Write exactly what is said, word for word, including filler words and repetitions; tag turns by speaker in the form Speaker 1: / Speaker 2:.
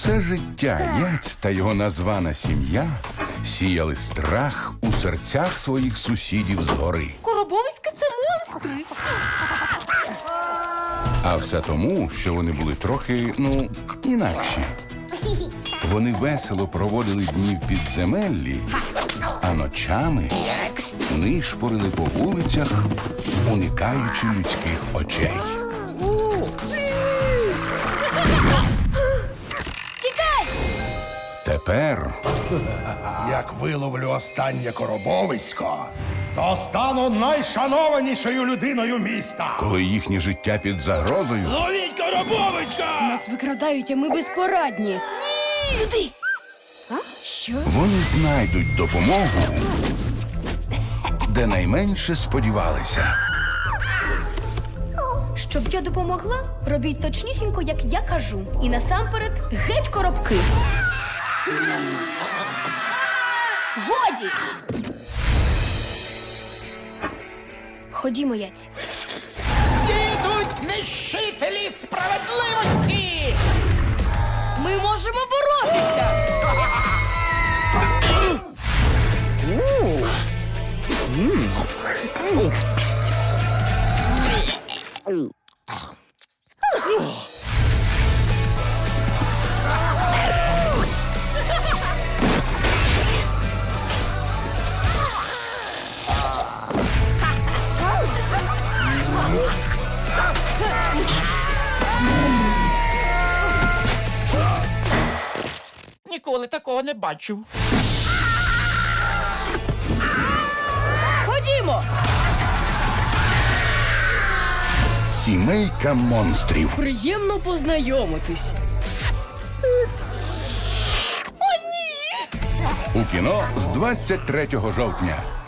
Speaker 1: Все життя Яць та його названа сім'я сіяли страх у серцях своїх сусідів згори.
Speaker 2: Коробовиська – це монстри.
Speaker 1: А все тому, що вони були трохи, ну, інакші. Вони весело проводили дні в підземеллі, а ночами нишпорили по вулицях, уникаючи людських очей.
Speaker 3: Тікай!
Speaker 1: Тепер,
Speaker 4: Як виловлю останнє коробовисько, то стану найшанованішою людиною міста.
Speaker 1: коли їхнє життя під загрозою,
Speaker 4: Ловіть коробовиська!
Speaker 3: Нас викрадають, а ми безпорадні. Сюди! Що?
Speaker 1: вони знайдуть допомогу, де найменше сподівалися.
Speaker 3: Щоб я допомогла, робіть точнісінько, як я кажу. І насамперед геть коробки. Годі! Ходімо, Яць.
Speaker 2: Їдуть нищителі справедливості.
Speaker 3: Ми можемо боротися!
Speaker 2: Ніколи такого не бачив.
Speaker 3: Ходімо!
Speaker 1: Сімейка монстрів.
Speaker 3: Приємно познайомитись.
Speaker 1: У кіно з двадцять третього жовтня.